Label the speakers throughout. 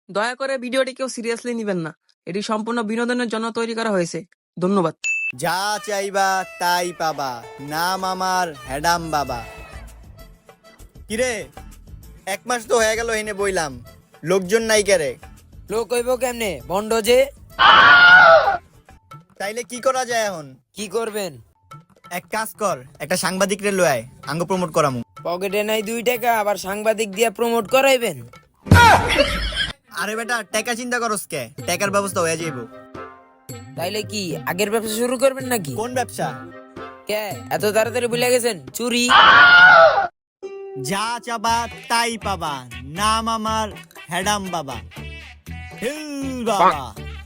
Speaker 1: দয়া করে ভিডিওটি কেউ সিরিয়াসলি নেবেন না। এটি সম্পূর্ণ বিনোদনের জন্য তৈরি করা হয়েছে। ধন্যবাদ।
Speaker 2: যা চাইবা তাই পাবা, নাম আমার হ্যাডাম বাবা। কিরে, 1 মাস তো হয়ে গেল এনে বইলাম, লোকজন নাই কেরে?
Speaker 3: লোক হইব কেমনে, বন্ড যে।
Speaker 2: তাইলে কি করা যায় এখন?
Speaker 3: কি করবেন?
Speaker 2: এক কাজ কর, একটা সাংবাদিক রে লয়, আঙ্গ প্রমোট করামু।
Speaker 3: পকেটে নাই 2 টাকা, আবার সাংবাদিক দিয়া প্রমোট করাইবেন?
Speaker 2: আরে বেটা, টাকা চিন্তা করস কে? টাকার ব্যবস্থা হয়ে যাইব।
Speaker 3: তাইলে কি আগের ব্যবসা শুরু করবেন নাকি?
Speaker 2: কোন ব্যবসা?
Speaker 3: কে এত তাড়াতাড়ি ভুলে গেছেন? চুরি।
Speaker 2: যা চাবা তাই পাবা, নাম আমার হ্যাডাম বাবা। হিল বাবা।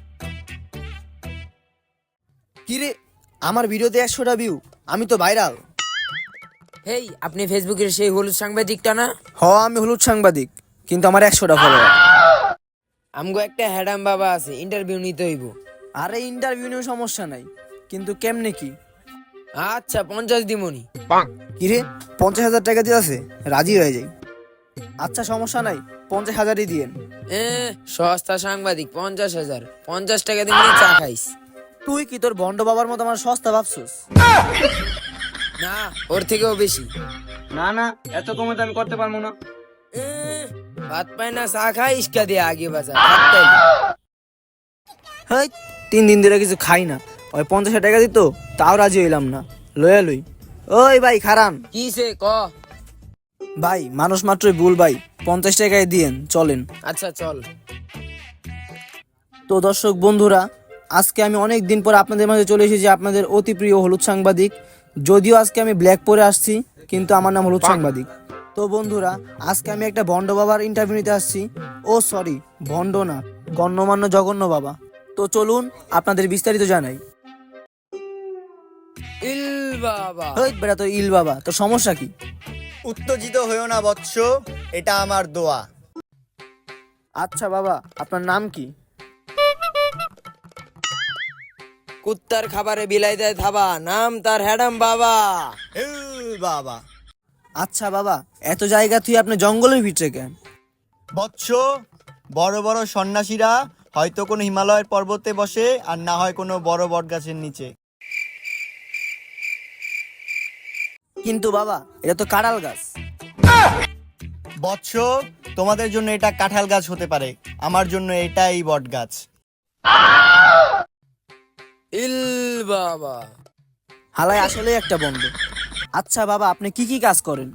Speaker 4: কিরে, আমার ভিডিওতে 100টা ভিউ, আমি তো ভাইরাল।
Speaker 3: হেই, আপনি ফেসবুকের সেই হলুদ সাংবাদিকটা না?
Speaker 4: আমি হলুদ সাংবাদিক, কিন্তু আমার 100টা ফলোয়ার।
Speaker 3: আমগো একটা হ্যাডাম বাবা আছে, ইন্টারভিউ নিতে হইব।
Speaker 4: আরে ইন্টারভিউ নিয়ে সমস্যা নাই, কিন্তু কেমনে কি?
Speaker 3: আচ্ছা, 50 দিমনি।
Speaker 4: কিরে, 50,000 টাকা দিয়ে আছে, রাজি হয়ে যাই। আচ্ছা সমস্যা নাই, 50,000ই দিয়েন।
Speaker 3: সস্তা সাংবাদিক, 50,000। 50 টাকা দিমনি, চা খাইস।
Speaker 4: তুই কি তোর ভন্ড বাবার মতো আমার সস্তা ভাবছিস?
Speaker 3: না, ওর থেকেও বেশি।
Speaker 4: না না, এত কমে তো আমি করতে পারবো না।
Speaker 3: ভাত পায় না, চা খাই, ইস্কা দিয়ে আগে বাজার।
Speaker 4: হ্যাঁ, 3 দিন ধরে কিছু খাই না, ওই 50,000 টাকা দিত, তাও রাজি হইলাম না। লয়া লই। ওই ভাই খারান।
Speaker 3: কি সে ক?
Speaker 4: ভাই মানুষ মাত্রই ভুল ভাই, 50 টাকায় দিয়েন, চলেন।
Speaker 3: আচ্ছা চল।
Speaker 4: তো দর্শক বন্ধুরা, আজকে আমি অনেক দিন পর আপনাদের মাঝে চলে এসেছি, আপনাদের অতি প্রিয় হলুদ সাংবাদিক। যদিও আজকে আমি ব্ল্যাক পরে আসছি, কিন্তু আমার নাম হলুদ সাংবাদিক। তো বন্ধুরা, আজকে আমি একটা ভণ্ড বাবার ইন্টারভিউ নিতে আসছি। ও সরি, ভণ্ড না, গণ্যমান্য জঘন্য বাবা। তো চলুন আপনাদের বিস্তারিত জানাই।
Speaker 3: ইল বাবা।
Speaker 4: ওই বেটা, তো ইল বাবা, তো সমস্যা কি?
Speaker 2: উত্তেজিত হইও না বৎস, এটা আমার দোয়া।
Speaker 4: আচ্ছা বাবা, আপনার নাম কি?
Speaker 3: কুত্তার খাবারে বিলাই দেয় থাবা, নাম তার হ্যাডাম বাবা।
Speaker 2: হিল বাবা।
Speaker 4: আচ্ছা বাবা, এত জায়গা তুই আপনি জঙ্গলের ভিতরে কেন?
Speaker 2: বৎস, বড় বড় সন্ন্যাসীরা হয়তো কোনো হিমালয়ের পর্বতে বসে, আর না হয় কোনো বড় বট গাছের নিচে।
Speaker 4: কিন্তু বাবা, এটা তো কাঁড়াল গাছ।
Speaker 2: বৎস, তোমাদের জন্য এটা কাঁঠাল গাছ হতে পারে, আমার জন্য এটাই বট গাছ।
Speaker 3: ইল বাবা।
Speaker 4: হালাই আসলে একটা বন্ধ। আচ্ছা বাবা, আপনি কি কি কাজ করেন?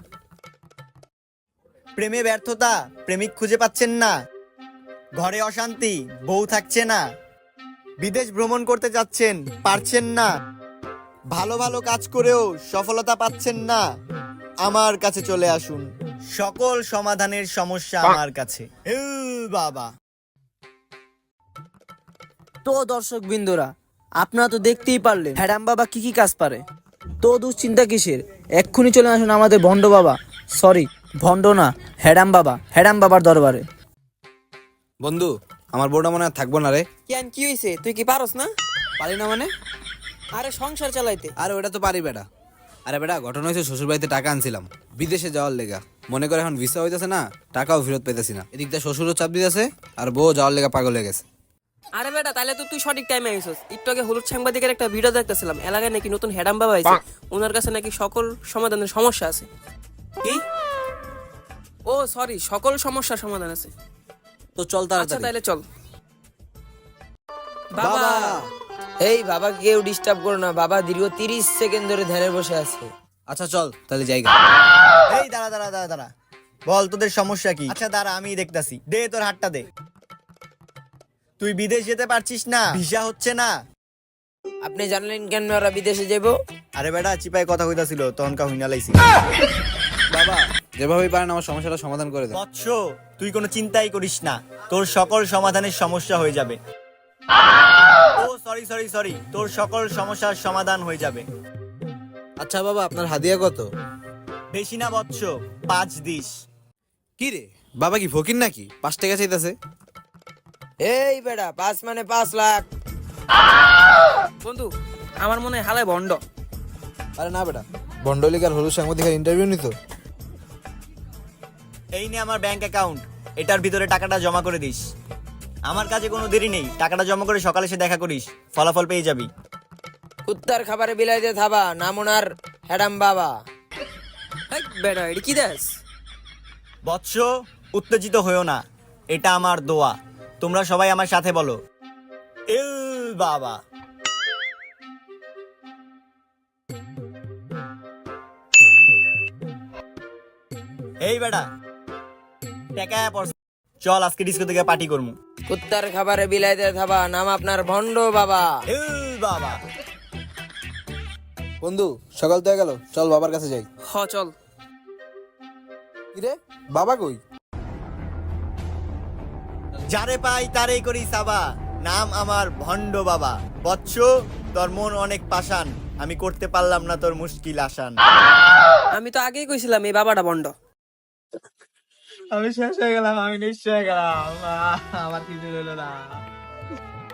Speaker 2: প্রেমে ব্যর্থতা, প্রেমিক খুঁজে পাচ্ছেন না, ঘরে অশান্তি, বউ থাকছে না, বিদেশ ভ্রমণ করতে যাচ্ছেন, পারছেন না, ভালো ভালো কাজ করেও সফলতা পাচ্ছেন না, আমার কাছে চলে আসুন, সকল সমাধানের সমস্যা আমার কাছে। হিল বাবা।
Speaker 4: তো দর্শক বিন্দুরা, আপনারা তো দেখতেই পারলেন হ্যাডাম বাবা কি কি কাজ পারে। তো দুশ্চিন্তা কিসের, এক্ষুনি চলে আসুন আমাদের ভণ্ড বাবা, সরি ভণ্ড না, হ্যাডাম বাবা, হ্যাডাম বাবার দরবারে।
Speaker 5: বন্ধু, আমার বউটা মনে হয় থাকবো না রে।
Speaker 1: কেন, কি হয়েছে? তুই কি পারস না?
Speaker 5: পারি না মানে?
Speaker 1: আরে সংসার চালাইতে।
Speaker 5: আরে ওটা তো পারি বেটা। আরে বেটা, ঘটনা হয়েছে, শ্বশুর বাড়িতে টাকা আনছিলাম বিদেশে যাওয়ার লেগা। মনে করে এখন ভিসা হইতেছে না, টাকাও ফেরত পেতেছি না। এদিকটা শ্বশুরও চাপ দিতেছে, আর বউ যাওয়ার লেগা পাগল হয়ে গেছে।
Speaker 1: আরে বেটা, তাহলে তো তুই সঠিক টাইমে আইছস। একটু আগে হলুদ সাংবাদিকের একটা ভিডিও দেখতেছিলাম, এলাকায় নাকি নতুন হ্যাডাম বাবা আইছে, ওনার কাছে নাকি সকল সমাধানের সমস্যা আছে। কি? ও সরি, সকল সমস্যার সমাধান আছে।
Speaker 5: তো চল
Speaker 1: আচ্ছা
Speaker 5: তাড়াতাড়ি।
Speaker 1: তাহলে চল। বাবা।
Speaker 3: এই বাবা, কেউ ডিস্টার্ব করো না, বাবা দীর্ঘ 30 সেকেন্ড ধরে ধ্যানে বসে আছে।
Speaker 5: আচ্ছা চল তাহলে জায়গা।
Speaker 2: এই দাঁড়া দাঁড়া দাঁড়া দাঁড়া, বল তোদের সমস্যা কি? আচ্ছা দাঁড়া, আমি দেখতাছি। দে তোর হাতটা দে। তুই বিদেশ যেতে পারছিস না, ভিসা হচ্ছে না।
Speaker 3: আপনি জানলেন কেন ওরা বিদেশে যাব?
Speaker 2: আরে বেটা, চিপায় কথা কইতাছিল, তখন কা হুইনা লাইছি।
Speaker 5: বাবা, যেভাবেই পারেন আমার সমস্যাটা সমাধান করে দেন।
Speaker 2: বৎস, তুই কোনো চিন্তাই করিস না, তোর সকল সমাধানের সমস্যা হয়ে যাবে। ও সরি সরি সরি, তোর সকল সমস্যার সমাধান হয়ে যাবে।
Speaker 5: আচ্ছা বাবা, আপনার হাদিয়া কত?
Speaker 2: বেশি না বৎস, 5 দিস।
Speaker 5: কি রে বাবা, কি ফকির নাকি 5 টাকা চাইতেছে?
Speaker 3: এই বেটা, 5 মানে 5 লাখ।
Speaker 1: বন্ধু, আমার মনে হয় হালাই ভণ্ড।
Speaker 5: আরে না বেটা, বন্ডলিকার হলুদ সাংবাদিকের ইন্টারভিউ নিত।
Speaker 2: এই নে আমার ব্যাংক অ্যাকাউন্ট, এটার ভিতরে টাকাটা জমা করে দিস। আমার কাছে কোনো দেরি নেই, টাকাটা জমা করে সকালে এসে দেখা করিস, ফলাফল পেয়ে যাবি।
Speaker 3: কুত্তার খাবারে বিলাইতে থাবা, নাম ওনার হ্যাডাম বাবা।
Speaker 1: এই বেটা এটা কি দেশ?
Speaker 2: বৎস, উত্তেজিত হয়েও না, এটা আমার দোয়া। তোমরা সবাই আমার সাথে বলো, এল বাবা। এই বেটা টাকা পড়ছে, চল আজকে ডিস্কো থেকে পার্টি করবো।
Speaker 3: কুত্তার খাবারে বিলাইতে থাবা, নাম আপনার ভণ্ড বাবা।
Speaker 2: এল বাবা।
Speaker 5: বন্ধু সকাল তো হয়ে গেল, চল বাবার কাছে যাই।
Speaker 1: হ চল।
Speaker 5: কিরে বাবা কই?
Speaker 2: যারে পাই তারেই করি সাবা, নাম আমার ভণ্ড বাবা। বৎস, তোর মন অনেক পাষাণ, আমি করতে পারলাম না তোর মুশকিল আসান।
Speaker 1: আমি তো আগেই কইছিলাম এই বাবাটা বন্ড।
Speaker 2: আমি শেষ হয়ে গেলাম, আমি নিশ্চয় হয়ে গেলাম, আমার কিছু হলো না।